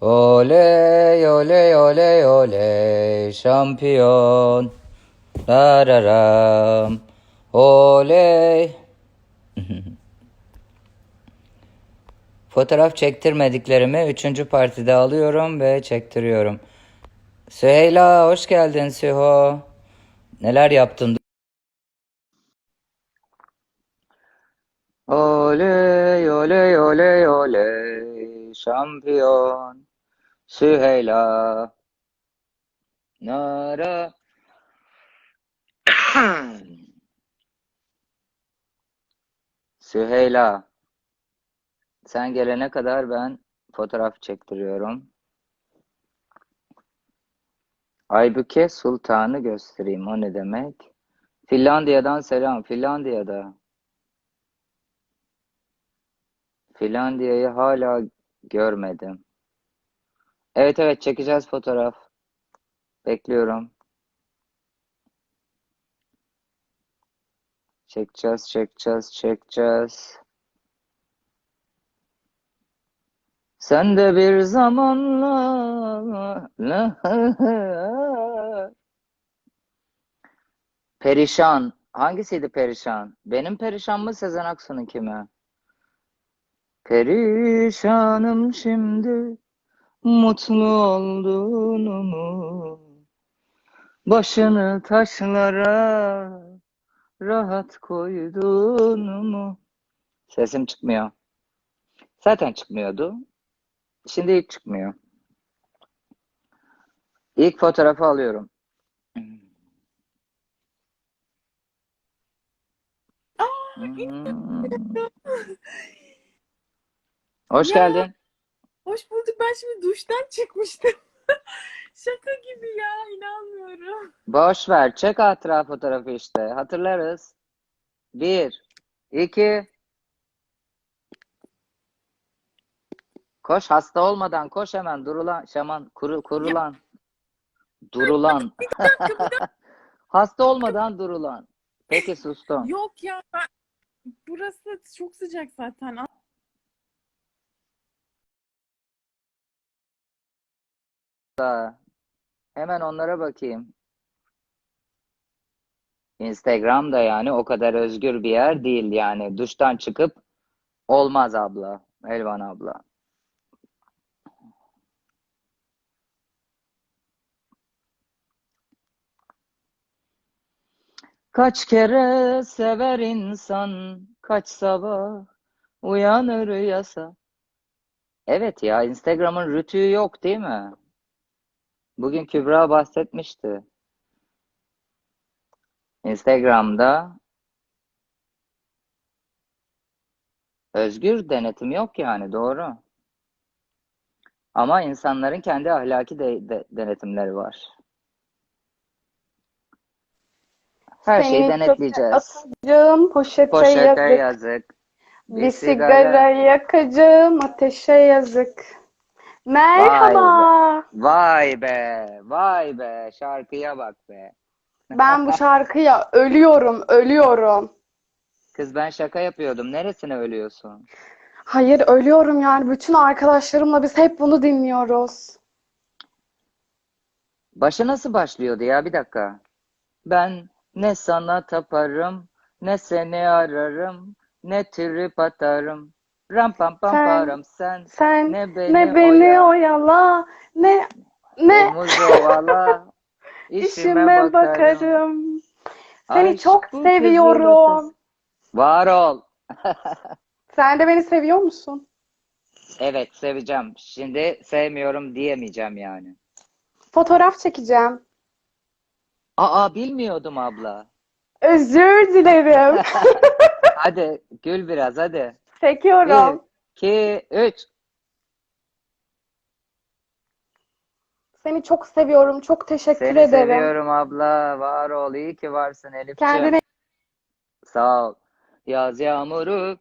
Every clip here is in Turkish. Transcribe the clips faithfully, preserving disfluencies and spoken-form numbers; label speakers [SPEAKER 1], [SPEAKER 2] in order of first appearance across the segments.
[SPEAKER 1] Oley oley oley oley şampiyon. Dararam. Oley. Fotoğraf çektirmediklerimi üçüncü partide alıyorum ve çektiriyorum. Süheyla hoş geldin Süho. Neler yaptın? Oley oley oley oley şampiyon. Süheyla. Nara. Süheyla. Sen gelene kadar ben fotoğraf çektiriyorum. Aybüke Sultan'ı göstereyim. O ne demek? Finlandiya'dan selam. Finlandiya'da. Finlandiya'yı hala görmedim. Evet evet çekeceğiz fotoğraf. Bekliyorum. Çekeceğiz, çekeceğiz, çekeceğiz. Sen de bir zamanlar Perişan. Hangisiydi Perişan? Benim Perişan mı Sezen Aksu'nunki mi? Perişanım şimdi mutlu olduğunu mu? Başını taşlara rahat koyduğunu mu? Sesim çıkmıyor. Zaten çıkmıyordu. Şimdi hiç çıkmıyor. İlk fotoğrafı alıyorum. Hmm. Hoş
[SPEAKER 2] Ya
[SPEAKER 1] geldin.
[SPEAKER 2] hoş bulduk. Ben şimdi duştan çıkmıştım. Şaka gibi ya, inanmıyorum.
[SPEAKER 1] Boş ver. Çek hatıra fotoğrafı işte. Hatırlarız. Bir, iki, koş hasta olmadan koş hemen durulan şaman kuru,
[SPEAKER 2] Ya
[SPEAKER 1] kurulan durulan
[SPEAKER 2] bir dakika bir dakika.
[SPEAKER 1] hasta olmadan durulan. Peki sustum.
[SPEAKER 2] Yok ya, ben, burası çok sıcak zaten.
[SPEAKER 1] Da, hemen onlara bakayım. Instagram'da yani o kadar özgür bir yer değil yani. Duştan çıkıp olmaz abla. Elvan abla. Kaç kere sever insan, kaç sabah uyanır yasa. Evet ya Instagram'ın rütüğü yok değil mi? Bugün Kübra bahsetmişti. Instagram'da özgür denetim yok yani doğru. Ama insanların kendi ahlaki de, de- denetimleri var. Her şeyi
[SPEAKER 3] Seni çöpe
[SPEAKER 1] denetleyeceğiz.
[SPEAKER 3] atacağım, poşete
[SPEAKER 1] Poşete
[SPEAKER 3] yazık.
[SPEAKER 1] yazık. Bir
[SPEAKER 3] Bir sigara
[SPEAKER 1] sigara.
[SPEAKER 3] yakacağım, ateşe yazık.
[SPEAKER 1] Vay be.
[SPEAKER 3] Merhaba.
[SPEAKER 1] Vay be. Vay be. Şarkıya bak be.
[SPEAKER 3] Ben bu şarkıya ölüyorum, ölüyorum.
[SPEAKER 1] Kız ben şaka yapıyordum. Neresine ölüyorsun?
[SPEAKER 3] Hayır, ölüyorum yani. Bütün arkadaşlarımla biz hep bunu dinliyoruz.
[SPEAKER 1] Başı nasıl başlıyordu ya? Bir dakika. Ben ne sana taparım, ne seni ararım, ne trip atarım. Ram pam pam
[SPEAKER 3] Sen,
[SPEAKER 1] param sen,
[SPEAKER 3] sen
[SPEAKER 1] ne
[SPEAKER 3] ne
[SPEAKER 1] beni
[SPEAKER 3] beni
[SPEAKER 1] oya,
[SPEAKER 3] oyala, ne, ne
[SPEAKER 1] omuz ovala, işime
[SPEAKER 3] işime
[SPEAKER 1] bakarım.
[SPEAKER 3] bakarım. Seni çok
[SPEAKER 1] Aşk bu kızılırtız.
[SPEAKER 3] seviyorum.
[SPEAKER 1] Var ol.
[SPEAKER 3] Sen de beni seviyor musun?
[SPEAKER 1] Evet seveceğim. Şimdi sevmiyorum diyemeyeceğim yani.
[SPEAKER 3] Fotoğraf çekeceğim.
[SPEAKER 1] Aa bilmiyordum abla.
[SPEAKER 3] Özür dilerim.
[SPEAKER 1] Hadi gül biraz hadi. Bir,
[SPEAKER 3] Çekiyorum.
[SPEAKER 1] iki, üç.
[SPEAKER 3] Seni çok seviyorum. Çok teşekkür
[SPEAKER 1] Seni
[SPEAKER 3] ederim.
[SPEAKER 1] seviyorum abla. Var ol. İyi ki varsın
[SPEAKER 3] Kendine
[SPEAKER 1] Elifçim. Sağ ol. Yaz yağmuru.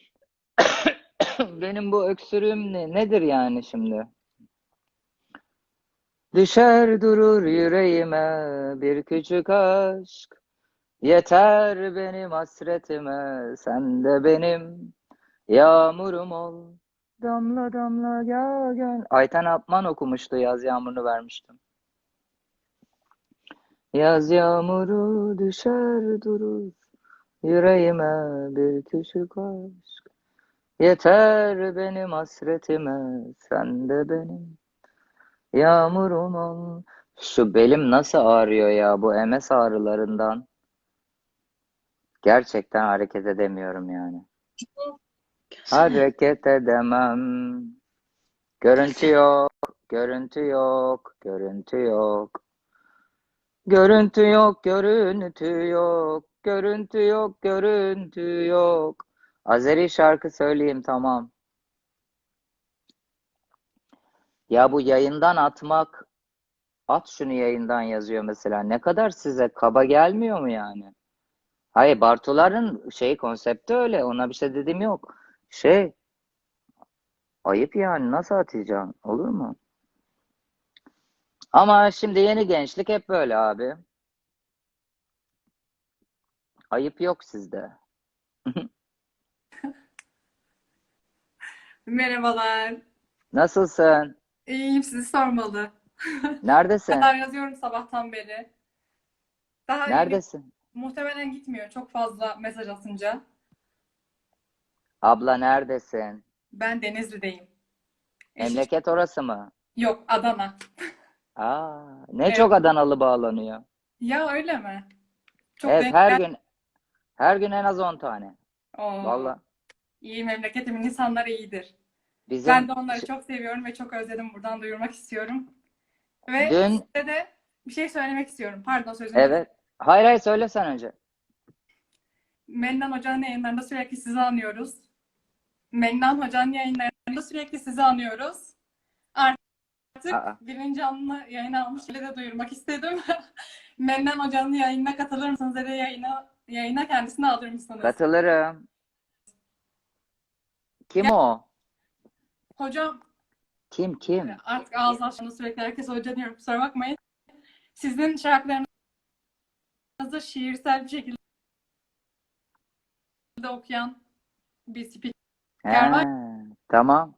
[SPEAKER 1] Benim bu öksürüğüm ne? Nedir yani şimdi? Düşer durur yüreğime bir küçük aşk. Yeter benim hasretime. Sen de benim yağmurum ol. Damla damla yağan. Ayten Apman okumuştu. Yaz yağmurunu vermiştim. Yaz yağmuru düşer durur. Yüreğime bir küçük aşk. Yeter benim hasretime. Sen de benim yağmurum ol. Şu belim nasıl ağrıyor ya bu M S ağrılarından. Gerçekten hareket edemiyorum yani. Hareket edemem. Görüntü yok, görüntü yok, görüntü yok. Görüntü yok, görüntü yok, görüntü yok, görüntü yok. Azeri şarkı söyleyeyim tamam. Ya bu yayından atmak, at şunu yayından yazıyor mesela. Ne kadar size kaba gelmiyor mu yani? Hayır, Bartuların şey konsepti öyle. Ona bir şey dediğim yok. Şey, ayıp yani nasıl atacaksın? Olur mu? Ama şimdi yeni gençlik hep böyle abi. Ayıp yok sizde.
[SPEAKER 2] Merhabalar.
[SPEAKER 1] Nasılsın?
[SPEAKER 2] İyiyim, sizi sormalı. Bu
[SPEAKER 1] Neredesin?
[SPEAKER 2] kadar yazıyorum sabahtan beri. Daha iyi,
[SPEAKER 1] Neredesin?
[SPEAKER 2] muhtemelen gitmiyor çok fazla mesaj atınca.
[SPEAKER 1] Abla neredesin?
[SPEAKER 2] Ben Denizli'deyim. Eşi
[SPEAKER 1] Memleket orası mı?
[SPEAKER 2] yok, Adana.
[SPEAKER 1] Aa, ne
[SPEAKER 2] Evet.
[SPEAKER 1] çok Adanalı bağlanıyor.
[SPEAKER 2] Ya öyle mi? Çok
[SPEAKER 1] Evet
[SPEAKER 2] denk
[SPEAKER 1] her
[SPEAKER 2] gel.
[SPEAKER 1] gün her gün en az on tane.
[SPEAKER 2] Oo,
[SPEAKER 1] Valla
[SPEAKER 2] iyi, memleketimin insanları iyidir. Ben
[SPEAKER 1] bizim
[SPEAKER 2] de onları
[SPEAKER 1] ş-
[SPEAKER 2] çok seviyorum ve çok özledim. Buradan duyurmak istiyorum. Ve
[SPEAKER 1] dün
[SPEAKER 2] size de bir şey söylemek istiyorum. Pardon, sözünü kes.
[SPEAKER 1] evet. Hayır hayır söyle sen önce.
[SPEAKER 2] Mennan Hoca'nın yayınlarında sürekli sizi anıyoruz. Mennan Hoca'nın yayınlarında sürekli sizi anıyoruz. Artık
[SPEAKER 1] Aa,
[SPEAKER 2] birinci canlı yayını almış bile de duyurmak istedim. Mennan Hoca'nın yayınına katılır mısınız ya da yayına, yayına kendisini alır mısınız?
[SPEAKER 1] katılırım. Kim
[SPEAKER 2] Ya,
[SPEAKER 1] o?
[SPEAKER 2] hocam
[SPEAKER 1] Kim kim?
[SPEAKER 2] artık ağzı açtığında sürekli herkes hoca diyorum, kusura bakmayın. Sizin şarkılarınızı şiirsel bir şekilde okuyan bir
[SPEAKER 1] He,
[SPEAKER 2] spiker var.
[SPEAKER 1] tamam.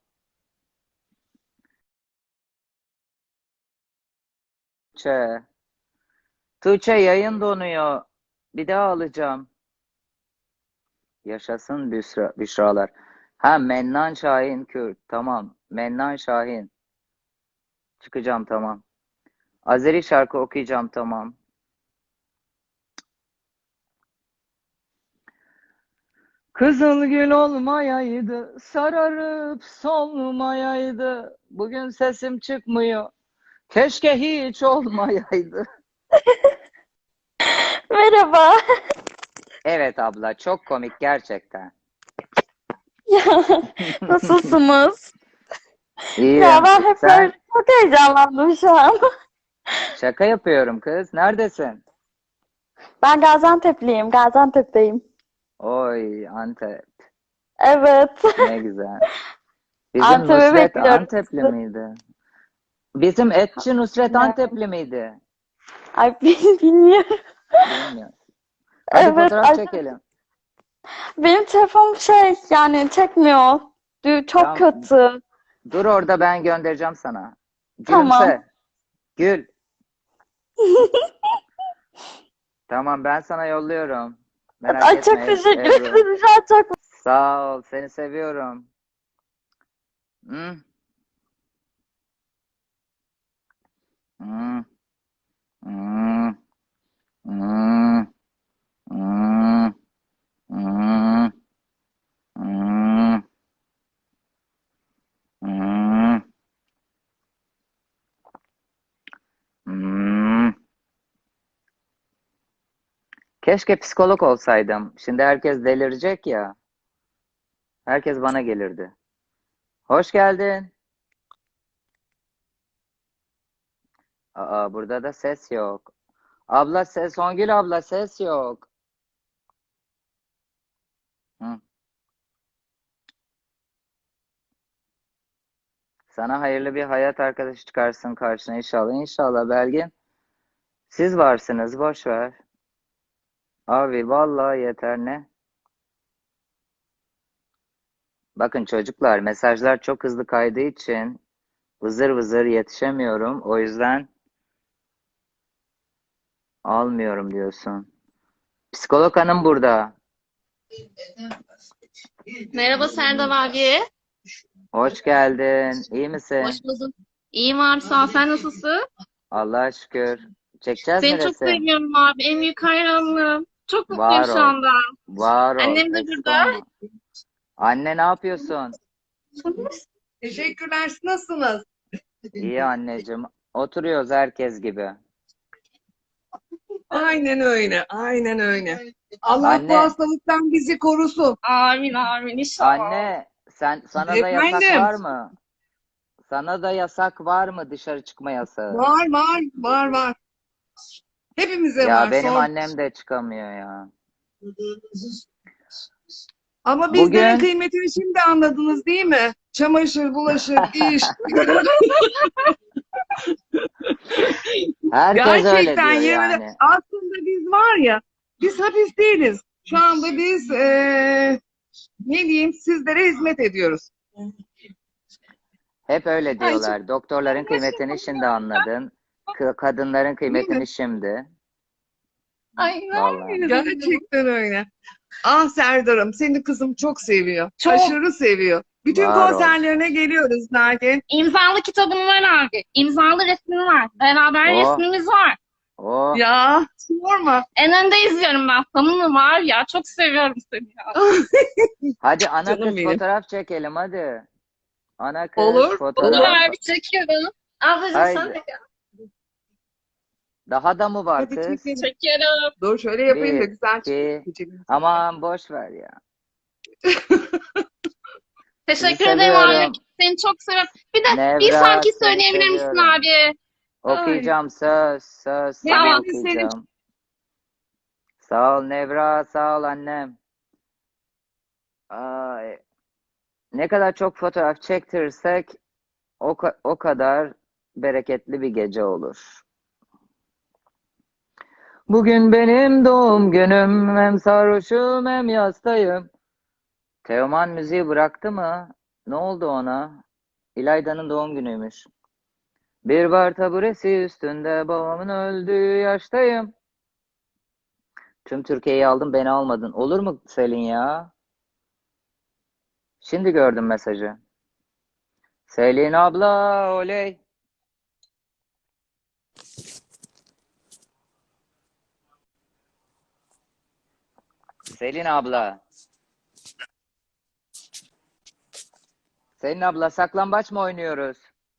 [SPEAKER 1] Tuğçe. Tuğçe yayın donuyor. Bir daha alacağım. Yaşasın Büşra, Büşralar. Ha Mennan Şahin Kürt. Tamam. Mennan Şahin. Çıkacağım tamam. Azeri şarkı okuyacağım tamam. Kızıl gül olmayaydı, sararıp solmayaydı. Bugün sesim çıkmıyor. Keşke hiç olmayaydı.
[SPEAKER 4] Merhaba.
[SPEAKER 1] Evet abla, çok komik gerçekten.
[SPEAKER 4] Ya, nasılsınız? Ya
[SPEAKER 1] İyiyim.
[SPEAKER 4] ben hep böyle
[SPEAKER 1] Sen
[SPEAKER 4] çok heyecanlandım şu an.
[SPEAKER 1] şaka yapıyorum kız. Neredesin?
[SPEAKER 4] Ben Gaziantep'liyim, Gaziantep'teyim.
[SPEAKER 1] Oy Antep.
[SPEAKER 4] Evet.
[SPEAKER 1] Ne güzel. Bizim
[SPEAKER 4] Antep'e
[SPEAKER 1] Nusret
[SPEAKER 4] bekliyorum
[SPEAKER 1] Antepli
[SPEAKER 4] sizi.
[SPEAKER 1] miydi? Bizim etçi Nusret
[SPEAKER 4] Ne?
[SPEAKER 1] Antepli miydi?
[SPEAKER 4] Ay bilmiyorum.
[SPEAKER 1] Bilmiyorum. Hadi
[SPEAKER 4] Evet,
[SPEAKER 1] fotoğraf
[SPEAKER 4] ay,
[SPEAKER 1] çekelim.
[SPEAKER 4] benim telefonum şey yani çekmiyor. Dü- Çok
[SPEAKER 1] Tamam.
[SPEAKER 4] kötü.
[SPEAKER 1] Dur orada ben göndereceğim sana.
[SPEAKER 4] Tamam.
[SPEAKER 1] Gülümse. Gül. Tamam ben sana yolluyorum. Merak
[SPEAKER 4] Ay çok
[SPEAKER 1] etme Eb-
[SPEAKER 4] teşekkür
[SPEAKER 1] Ebru.
[SPEAKER 4] ederim. Şu an çok
[SPEAKER 1] Sağ ol. Seni seviyorum. Hı? Hı? Hı? Hı? Hı? Hı? Hı? Hı? Hı? Keşke psikolog olsaydım. Şimdi herkes delirecek ya. Herkes bana gelirdi. Hoş geldin. Aa, burada da ses yok. Abla ses, Songül abla ses yok. Hı. Sana hayırlı bir hayat arkadaşı çıkarsın karşına inşallah. İnşallah Belgin. Siz varsınız, boş ver. Abi vallahi yeter ne? Bakın çocuklar, mesajlar çok hızlı kaydığı için vızır vızır yetişemiyorum. O yüzden almıyorum diyorsun. Psikolog hanım burada.
[SPEAKER 5] Merhaba Serdar abi.
[SPEAKER 1] Hoş geldin. İyi
[SPEAKER 5] Hoş
[SPEAKER 1] misin?
[SPEAKER 5] bulduk. İyiyim abi sağ ol. Sen nasılsın?
[SPEAKER 1] Allah'a şükür. Çekeceğiz mi
[SPEAKER 5] Seni çok
[SPEAKER 1] resim?
[SPEAKER 5] seviyorum abi. En büyük hayranlığım. Çok mutluyum
[SPEAKER 1] Var
[SPEAKER 5] şu
[SPEAKER 1] ol.
[SPEAKER 5] anda.
[SPEAKER 1] Var ol.
[SPEAKER 5] Annem de
[SPEAKER 1] Eksik
[SPEAKER 5] burada.
[SPEAKER 1] olma. Anne ne yapıyorsun?
[SPEAKER 6] Teşekkürler. Siz nasılsınız?
[SPEAKER 1] İyi anneciğim. Oturuyoruz herkes gibi.
[SPEAKER 6] Aynen öyle. Aynen öyle. Allah bu
[SPEAKER 1] Anne,
[SPEAKER 6] hastalıktan bizi korusun.
[SPEAKER 5] Amin amin inşallah.
[SPEAKER 1] anne sen sana da yasak
[SPEAKER 6] Efendim?
[SPEAKER 1] var mı? Sana da yasak var mı, dışarı çıkma yasağı?
[SPEAKER 6] Var var var var. Hepimize
[SPEAKER 1] Ya
[SPEAKER 6] var.
[SPEAKER 1] benim
[SPEAKER 6] Sor.
[SPEAKER 1] annem de çıkamıyor ya.
[SPEAKER 6] Ama bizlerin
[SPEAKER 1] Bugün
[SPEAKER 6] kıymetini şimdi anladınız değil mi? Çamaşır, bulaşık, iş.
[SPEAKER 1] herkes öyle
[SPEAKER 6] Gerçekten
[SPEAKER 1] diyor
[SPEAKER 6] yemin
[SPEAKER 1] yani.
[SPEAKER 6] aslında biz var ya, biz hapis değiliz. Şu anda biz eee, ne diyeyim sizlere hizmet ediyoruz.
[SPEAKER 1] Hep öyle
[SPEAKER 6] Ay, çok
[SPEAKER 1] diyorlar. Doktorların kıymetini şimdi anladın. K- kadınların
[SPEAKER 6] değil mi?
[SPEAKER 1] kıymetini şimdi.
[SPEAKER 5] Ay
[SPEAKER 1] Vallahi.
[SPEAKER 6] Gerçekten öyle. Ah Serdar'ım, seni kızım çok seviyor.
[SPEAKER 5] çok.
[SPEAKER 6] Aşırı seviyor. Bütün
[SPEAKER 1] Var ol.
[SPEAKER 6] konserlerine geliyoruz Nagen.
[SPEAKER 5] İmzalı kitabım var abi. İmzalı resmim var. Beraber
[SPEAKER 1] Oh,
[SPEAKER 5] resmimiz var.
[SPEAKER 1] oh.
[SPEAKER 6] Ya sorma.
[SPEAKER 5] En önde izliyorum ben. Samimi var ya. Çok seviyorum seni ya.
[SPEAKER 1] Hadi ana
[SPEAKER 6] Canım
[SPEAKER 1] kız
[SPEAKER 6] benim.
[SPEAKER 1] fotoğraf çekelim hadi. Ana kız
[SPEAKER 6] Olur,
[SPEAKER 5] Olur
[SPEAKER 1] fotoğraf.
[SPEAKER 5] abi çekiyorum. Ablacığım sen
[SPEAKER 1] Haydi.
[SPEAKER 5] de
[SPEAKER 1] Daha da mı var
[SPEAKER 6] Hadi
[SPEAKER 1] kız?
[SPEAKER 6] çekelim.
[SPEAKER 5] çekiyorum.
[SPEAKER 6] Dur şöyle yapayım da
[SPEAKER 1] Bir,
[SPEAKER 6] güzel
[SPEAKER 1] iki.
[SPEAKER 6] çekelim.
[SPEAKER 1] Aman boş ver ya. Sizi
[SPEAKER 5] Teşekkür ederim abi.
[SPEAKER 1] seviyorum.
[SPEAKER 5] Seni çok seviyorum. Bir de bir
[SPEAKER 1] Nevra,
[SPEAKER 5] şarkı
[SPEAKER 1] seni
[SPEAKER 5] söyleyebilir misin
[SPEAKER 1] seviyorum.
[SPEAKER 5] abi?
[SPEAKER 6] Ay,
[SPEAKER 1] Okuyacağım, söz, söz sana
[SPEAKER 5] Tamam.
[SPEAKER 6] hepimiz seni
[SPEAKER 1] okuyacağım. Sağ ol Nevra, sağ ol annem. Ay, ne kadar çok fotoğraf çektirirsek o, ka- o kadar bereketli bir gece olur. Bugün benim doğum günüm, hem sarhoşum hem yastayım. Teoman müziği bıraktı mı? Ne oldu ona? İlayda'nın doğum günüymüş. Bir bar taburesi üstünde babamın öldüğü yaştayım. Tüm Türkiye'yi aldım, beni almadın. Olur mu Selin ya? Şimdi gördüm mesajı. Selin abla oley. Selin abla. Selin abla, saklambaç mı oynuyoruz?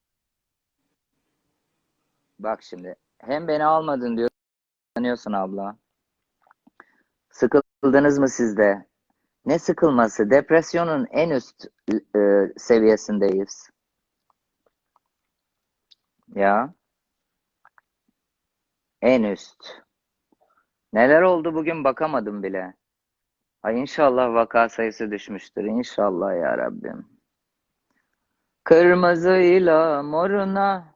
[SPEAKER 1] Bak şimdi. Hem beni almadın diyor. Sanıyorsun abla. Sıkıldınız mı siz de? Ne sıkılması? Depresyonun en üst e, seviyesindeyiz. Ya, en üst. Neler oldu bugün bakamadım bile. Ay inşallah vaka sayısı düşmüştür. İnşallah ya Rabbim. Kırmızıyla moruna,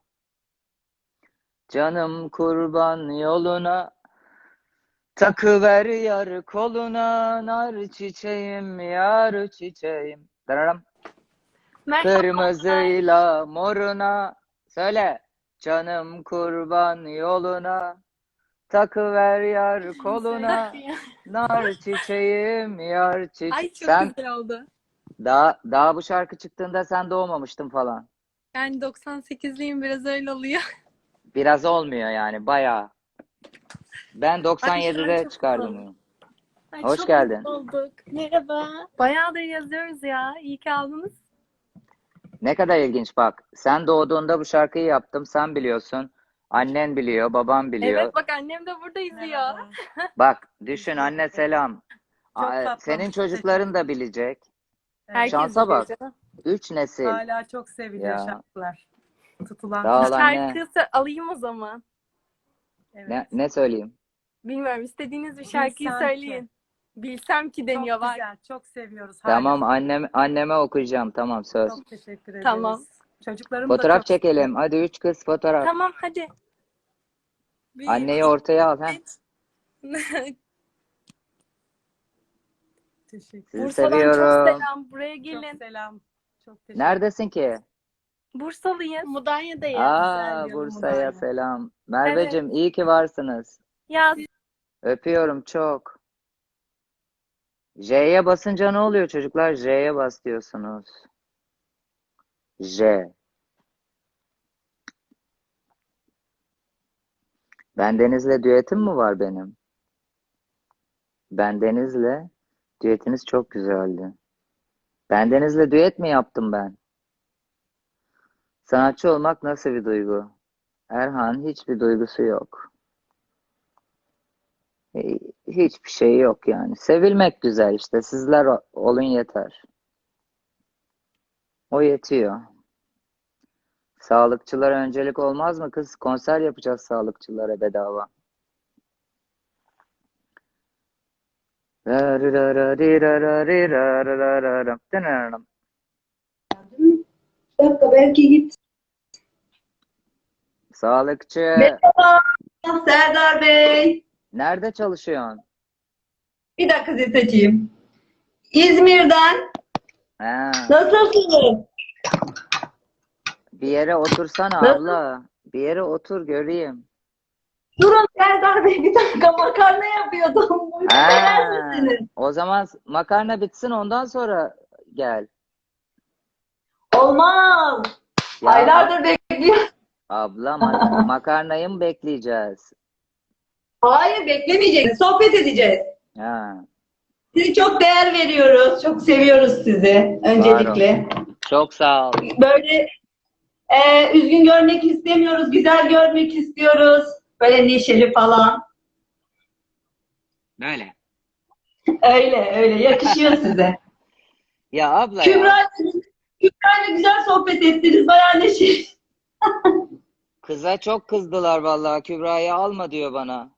[SPEAKER 1] canım kurban yoluna. Takıver yar koluna, nar çiçeğim, yar çiçeğim. Dararam. Kırmızıyla moruna, söyle. Canım kurban yoluna, takıver yar koluna, nar çiçeğim, yar çiçeğim.
[SPEAKER 7] Ay çok
[SPEAKER 1] Sen
[SPEAKER 7] güzel oldu.
[SPEAKER 1] daha, daha bu şarkı çıktığında sen doğmamıştın falan.
[SPEAKER 7] Yani doksan sekizliyim biraz öyle oluyor.
[SPEAKER 1] Biraz olmuyor yani, bayağı. Ben
[SPEAKER 7] Ay şu an
[SPEAKER 1] doksan yedide
[SPEAKER 7] çok
[SPEAKER 1] çıkardım
[SPEAKER 7] mutlu.
[SPEAKER 1] bunu.
[SPEAKER 7] Ay
[SPEAKER 1] Hoş
[SPEAKER 7] çok
[SPEAKER 1] geldin.
[SPEAKER 7] mutlu olduk. Merhaba. Bayağıdır yazıyoruz ya. İyi ki aldınız.
[SPEAKER 1] Ne kadar ilginç bak. Sen doğduğunda bu şarkıyı yaptım. Sen biliyorsun. Annen biliyor, babam biliyor.
[SPEAKER 7] Evet bak annem de burada izliyor.
[SPEAKER 1] Bak düşün, anne selam.
[SPEAKER 8] Çok
[SPEAKER 1] Aa,
[SPEAKER 8] tatlı
[SPEAKER 1] senin
[SPEAKER 8] olmuş.
[SPEAKER 1] çocukların da bilecek.
[SPEAKER 7] Herkes
[SPEAKER 1] Şansa
[SPEAKER 7] biliyor
[SPEAKER 1] bak.
[SPEAKER 7] canım.
[SPEAKER 1] Üç nesil.
[SPEAKER 8] Hala çok seviliyor
[SPEAKER 1] Ya.
[SPEAKER 8] şarkılar. Tutulan.
[SPEAKER 1] Sağ
[SPEAKER 7] Bir
[SPEAKER 1] ol anne.
[SPEAKER 7] şarkı sö- alayım o zaman.
[SPEAKER 8] Evet.
[SPEAKER 1] Ne, ne söyleyeyim?
[SPEAKER 7] Bilmiyorum istediğiniz bir şarkıyı
[SPEAKER 8] Bilsem ki.
[SPEAKER 7] söyleyin. Bilsem ki deniyor
[SPEAKER 8] Çok
[SPEAKER 7] bak.
[SPEAKER 8] güzel. Çok seviyoruz. Hala.
[SPEAKER 1] Tamam, annem anneme okuyacağım. Tamam, söz.
[SPEAKER 8] Çok teşekkür ederiz.
[SPEAKER 7] Tamam.
[SPEAKER 8] Çocuklarım da
[SPEAKER 1] Fotoğraf
[SPEAKER 8] çok
[SPEAKER 1] çekelim. Hadi üç kız fotoğraf.
[SPEAKER 7] Tamam hadi. Bir-
[SPEAKER 1] Anneyi ortaya al. He.
[SPEAKER 8] teşekkür
[SPEAKER 1] Sizi
[SPEAKER 7] Bursa'dan çok
[SPEAKER 1] seviyorum.
[SPEAKER 7] selam. Buraya
[SPEAKER 8] Çok
[SPEAKER 7] gelin.
[SPEAKER 8] selam. Çok teşekkür
[SPEAKER 1] Neredesin ki?
[SPEAKER 7] Bursalıyız. Mudanya'dayız.
[SPEAKER 1] Aa,
[SPEAKER 8] bir
[SPEAKER 1] Bursa'ya
[SPEAKER 8] yanımdayım.
[SPEAKER 1] selam. Merveciğim iyi ki varsınız.
[SPEAKER 7] Ya
[SPEAKER 1] Öpüyorum çok. J'ye basınca ne oluyor çocuklar? J'ye bas diyorsunuz. J. Bendenizle düetim mi var benim? Bendenizle düetiniz çok güzeldi. Bendenizle düet mi yaptım ben? Sanatçı olmak nasıl bir duygu? Erhan hiçbir duygusu yok. E, Hiçbir şey yok yani. Sevilmek güzel işte. Sizler o- olun yeter. O yetiyor. Sağlıkçılara öncelik olmaz mı kız? Konser yapacağız sağlıkçılara bedava.
[SPEAKER 9] Bir dakika belki git.
[SPEAKER 1] Sağlıkçı.
[SPEAKER 9] Merhaba Serdar Bey.
[SPEAKER 1] Nerede çalışıyorsun?
[SPEAKER 9] Bir dakika sizi seçeyim. İzmir'den.
[SPEAKER 1] Ha,
[SPEAKER 9] Nasılsınız?
[SPEAKER 1] bir yere otursana
[SPEAKER 9] Nasıl?
[SPEAKER 1] abla. Bir yere otur göreyim.
[SPEAKER 9] Durun Serdar Bey bir dakika makarna yapıyordum. Buyurun sever
[SPEAKER 1] Ha,
[SPEAKER 9] misiniz?
[SPEAKER 1] o zaman makarna bitsin ondan sonra gel.
[SPEAKER 9] Olmaz.
[SPEAKER 1] Ya
[SPEAKER 9] Aylardır bekliyorum.
[SPEAKER 1] abla ma- makarnayı mı bekleyeceğiz?
[SPEAKER 9] Hayır beklemeyeceğiz. Sohbet edeceğiz.
[SPEAKER 1] Ha,
[SPEAKER 9] Sizi çok değer veriyoruz. Çok seviyoruz sizi öncelikle.
[SPEAKER 1] çok sağ ol.
[SPEAKER 9] Böyle e, üzgün görmek istemiyoruz. Güzel görmek istiyoruz. Böyle neşeli falan.
[SPEAKER 1] Böyle.
[SPEAKER 9] Öyle öyle. Yakışıyor size.
[SPEAKER 1] Ya abla ya.
[SPEAKER 9] Kübra, Kübra'yla güzel sohbet ettiniz. Bayağı neşeli.
[SPEAKER 1] Kıza çok kızdılar vallahi. Kübra'yı alma diyor bana.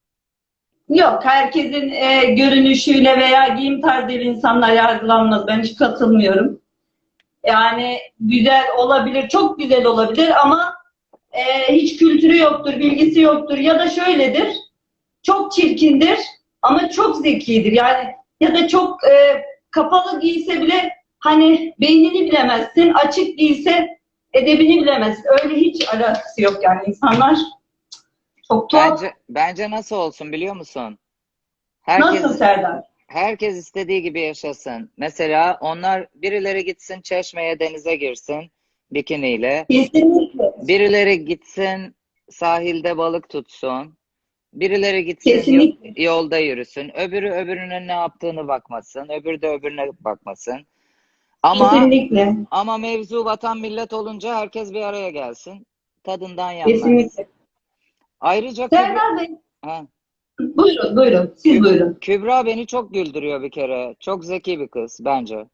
[SPEAKER 9] Yok, herkesin e, görünüşüyle veya giyim tarzıyla insanlar yargılanmaz. Ben hiç katılmıyorum. Yani güzel olabilir, çok güzel olabilir ama e, hiç kültürü yoktur, bilgisi yoktur. Ya da şöyledir, çok çirkindir ama çok zekidir. Yani ya da çok e, kapalı giyse bile hani beynini bilemezsin, açık giyse edebini bilemezsin. Öyle hiç alakası yok yani insanlar. Çok tuhaf.
[SPEAKER 1] Bence bence nasıl olsun biliyor musun?
[SPEAKER 9] Nasıl
[SPEAKER 1] Herkes
[SPEAKER 9] Serdar?
[SPEAKER 1] herkes istediği gibi yaşasın. Mesela onlar birileri gitsin çeşmeye denize girsin bikiniyle.
[SPEAKER 9] Kesinlikle.
[SPEAKER 1] Birileri gitsin sahilde balık tutsun. Birileri gitsin yo-
[SPEAKER 9] Kesinlikle.
[SPEAKER 1] yolda yürüsün. Öbürü öbürünün ne yaptığını bakmasın. Öbürü de öbürüne bakmasın. Ama
[SPEAKER 9] Kesinlikle.
[SPEAKER 1] ama mevzu vatan millet olunca herkes bir araya gelsin. Tadından yenmez.
[SPEAKER 9] Kesinlikle.
[SPEAKER 1] Ayrıca Kübra,
[SPEAKER 9] Serdar Bey,
[SPEAKER 1] ha,
[SPEAKER 9] buyurun, buyurun. Siz buyurun.
[SPEAKER 1] Kübra beni çok güldürüyor bir kere. Çok zeki bir kız bence.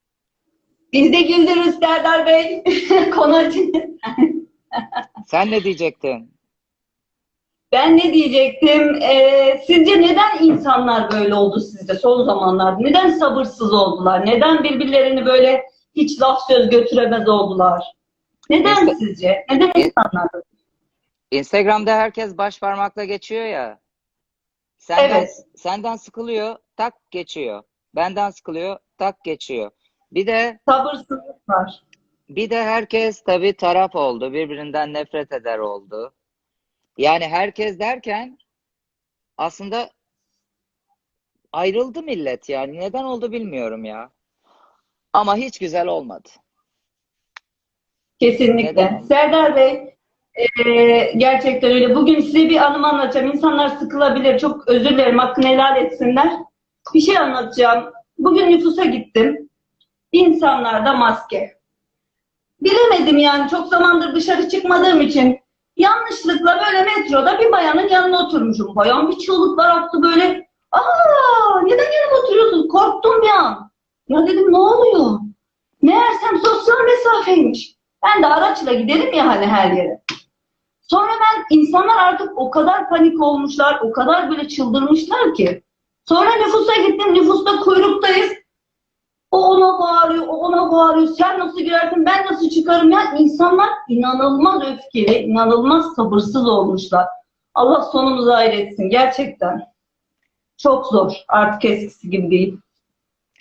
[SPEAKER 9] Biz de güldürürüz Serdar Bey. Konu açın.
[SPEAKER 1] Sen ne diyecektin?
[SPEAKER 9] Ben ne diyecektim? Ee, sizce neden insanlar böyle oldu sizce son zamanlarda? Neden sabırsız oldular? Neden birbirlerini böyle hiç laf söz götüremez oldular? Neden
[SPEAKER 1] İnsta-
[SPEAKER 9] sizce? Neden
[SPEAKER 1] İn-
[SPEAKER 9] insanlar böyle?
[SPEAKER 1] Instagram'da herkes baş parmakla geçiyor ya. Senden
[SPEAKER 9] Evet.
[SPEAKER 1] senden sıkılıyor, tak geçiyor. Benden sıkılıyor, tak geçiyor. Bir de
[SPEAKER 9] Sabırsızlık var.
[SPEAKER 1] bir de herkes tabii taraf oldu. Birbirinden nefret eder oldu. Yani herkes derken aslında ayrıldı millet yani. Neden oldu bilmiyorum ya. Ama hiç güzel olmadı. Neden
[SPEAKER 9] Kesinlikle.
[SPEAKER 1] oldu?
[SPEAKER 9] Serdar Bey, e, gerçekten öyle. Bugün size bir anımı anlatacağım. İnsanlar sıkılabilir. Çok özür dilerim. Hakkını helal etsinler. Bir şey anlatacağım. Bugün nüfusa gittim. İnsanlarda maske. Bilemedim yani. Çok zamandır dışarı çıkmadığım için yanlışlıkla böyle metroda bir bayanın yanına oturmuşum. Bayan bir çığlıklar attı böyle. Aa, neden yanıma oturuyorsun? Korktum bir an. Ya dedim ne oluyor? Meğersem sosyal mesafeymiş. Ben de araçla giderim ya hani her yere. Sonra ben insanlar artık o kadar panik olmuşlar, o kadar böyle çıldırmışlar ki. Sonra nüfusa gittim, nüfusta kuyruktayız. O ona bağırıyor, o ona bağırıyor. Sen nasıl girersin, ben nasıl çıkarım ya? İnsanlar inanılmaz öfkeli, inanılmaz sabırsız olmuşlar. Allah sonumuzu hayır etsin gerçekten. Çok zor. Artık eskisi gibi değil.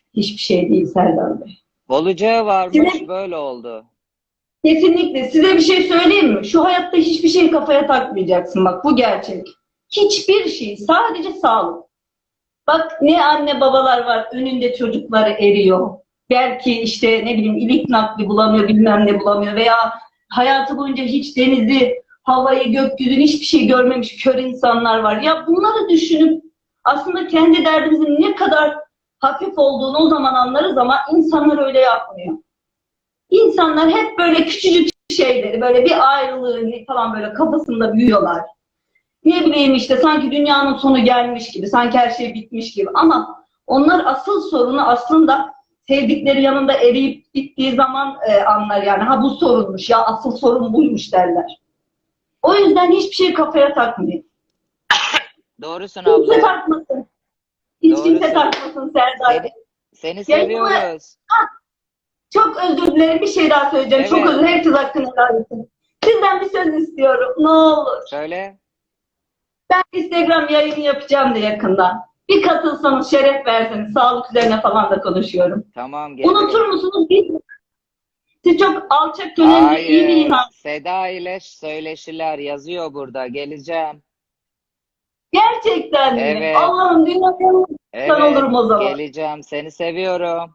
[SPEAKER 9] hiçbir şey değil Serdar Bey.
[SPEAKER 1] Olacağı varmış,
[SPEAKER 9] Size,
[SPEAKER 1] böyle oldu.
[SPEAKER 9] kesinlikle size bir şey söyleyeyim mi? Şu hayatta hiçbir şeyi kafaya takmayacaksın, bak bu gerçek. Hiçbir şey, sadece sağlık. Bak ne anne babalar var, önünde çocukları eriyor. Belki işte ne bileyim ilik nakli bulamıyor, bilmem ne bulamıyor veya hayatı boyunca hiç denizi, havayı, gökyüzünü hiçbir şey görmemiş kör insanlar var. Ya bunları düşünüp aslında kendi derdimizin ne kadar hafif olduğunu o zaman anlarız ama insanlar öyle yapmıyor. İnsanlar hep böyle küçücük şeyleri, böyle bir ayrılığı falan böyle kafasında büyüyorlar. Ne bileyim işte sanki dünyanın sonu gelmiş gibi, sanki her şey bitmiş gibi. Ama onlar asıl sorunu aslında sevdikleri yanında eriyip bittiği zaman e, anlar yani. Ha bu sorunmuş ya, asıl sorun buymuş derler. O yüzden hiçbir şey kafaya takmayın.
[SPEAKER 1] Doğrusun
[SPEAKER 9] Kimse
[SPEAKER 1] abla.
[SPEAKER 9] takmasın. Hiç kimse
[SPEAKER 1] Doğrusun.
[SPEAKER 9] takmasın Serdar.
[SPEAKER 1] Seni, seni
[SPEAKER 9] Yayınımı-
[SPEAKER 1] seviyoruz.
[SPEAKER 9] Çok özür dilerim. Bir şey daha söyleyeceğim. Çok
[SPEAKER 1] Evet.
[SPEAKER 9] özür dilerim. Herkes hakkını helal etsin. Sizden bir söz istiyorum. Ne olur.
[SPEAKER 1] Söyle.
[SPEAKER 9] Ben Instagram yayını yapacağım da yakında. Bir katılsanız, şeref verseniz. Sağlık üzerine falan da konuşuyorum.
[SPEAKER 1] Tamam, gelirim.
[SPEAKER 9] Unutur musunuz? Bilmiyorum. Siz çok alçak gönüllü, iyi bir
[SPEAKER 1] Hayır.
[SPEAKER 9] insan.
[SPEAKER 1] Seda ile söyleşiler yazıyor burada. Geleceğim.
[SPEAKER 9] Gerçekten mi?
[SPEAKER 1] Evet.
[SPEAKER 9] Allah'ım dünyanın
[SPEAKER 1] Evet.
[SPEAKER 9] olurum o zaman.
[SPEAKER 1] Geleceğim. Seni seviyorum.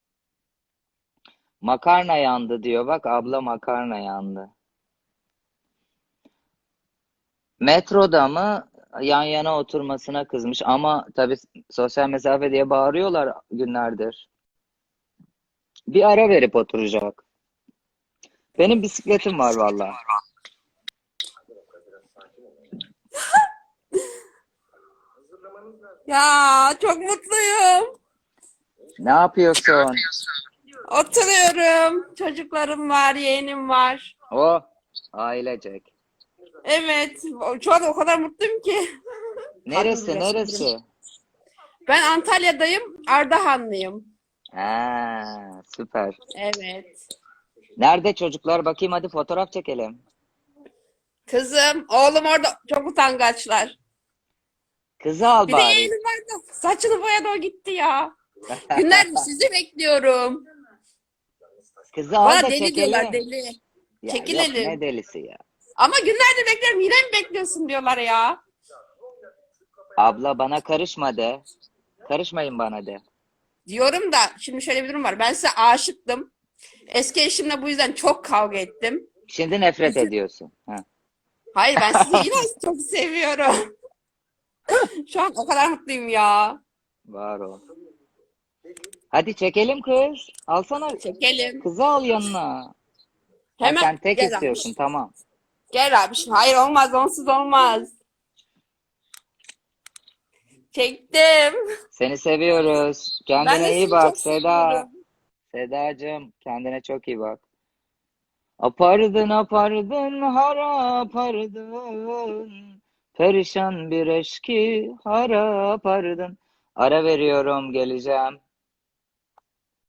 [SPEAKER 1] Makarna yandı diyor. Bak abla, makarna yandı. Metroda mı, yan yana oturmasına kızmış ama tabii sosyal mesafe diye bağırıyorlar günlerdir. Bir ara verip oturacak. Benim bisikletim var vallahi.
[SPEAKER 10] Ya çok mutluyum.
[SPEAKER 1] Ne yapıyorsun?
[SPEAKER 10] Oturuyorum. Çocuklarım var, yeğenim var.
[SPEAKER 1] O ailecek.
[SPEAKER 10] Evet, o- şu an o kadar mutluyum ki.
[SPEAKER 1] Neresi,
[SPEAKER 10] Kalbim bile
[SPEAKER 1] neresi?
[SPEAKER 10] Ben Antalya'dayım, Ardahanlıyım.
[SPEAKER 1] Ha, süper.
[SPEAKER 10] Evet.
[SPEAKER 1] Nerede çocuklar? Bakayım, hadi fotoğraf çekelim.
[SPEAKER 10] Kızım, oğlum orada çok utangaçlar.
[SPEAKER 1] Kızı al
[SPEAKER 10] Bir de
[SPEAKER 1] bari.
[SPEAKER 10] yeğenim var da saçını boyadı o gitti ya. Günlerdir sizi bekliyorum.
[SPEAKER 1] Kızı al
[SPEAKER 10] Bana
[SPEAKER 1] da
[SPEAKER 10] deli diyorlar,
[SPEAKER 1] çekelim.
[SPEAKER 10] deli.
[SPEAKER 1] Ya yok,
[SPEAKER 10] Çekilelim.
[SPEAKER 1] ne delisi ya.
[SPEAKER 10] Ama günlerdir bekliyorum, yine mi bekliyorsun diyorlar ya.
[SPEAKER 1] Abla bana karışma de. Karışmayın bana de.
[SPEAKER 10] Diyorum da şimdi şöyle bir durum var. Ben size aşıktım. Eski eşimle bu yüzden çok kavga ettim.
[SPEAKER 1] Şimdi nefret ediyorsun. Ha.
[SPEAKER 10] Hayır, ben sizi yine çok seviyorum. Şu an o kadar mutluyum ya.
[SPEAKER 1] Var o. Hadi çekelim kız. Alsana.
[SPEAKER 10] Çekelim.
[SPEAKER 1] Kızı al yanına. Ha,
[SPEAKER 10] Hemen
[SPEAKER 1] sen tek
[SPEAKER 10] gel
[SPEAKER 1] istiyorsun,
[SPEAKER 10] abi.
[SPEAKER 1] tamam.
[SPEAKER 10] Gel abi. Hayır olmaz, onsuz olmaz. Çektim.
[SPEAKER 1] Seni seviyoruz.
[SPEAKER 10] Ben de
[SPEAKER 1] Kendine iyi
[SPEAKER 10] sizi
[SPEAKER 1] bak
[SPEAKER 10] çok
[SPEAKER 1] Seda.
[SPEAKER 10] seviyorum.
[SPEAKER 1] Sedacığım, kendine çok iyi bak. Apardın apardın harap ardın. Perişan bir eşki harap ardın. Ara veriyorum, geleceğim.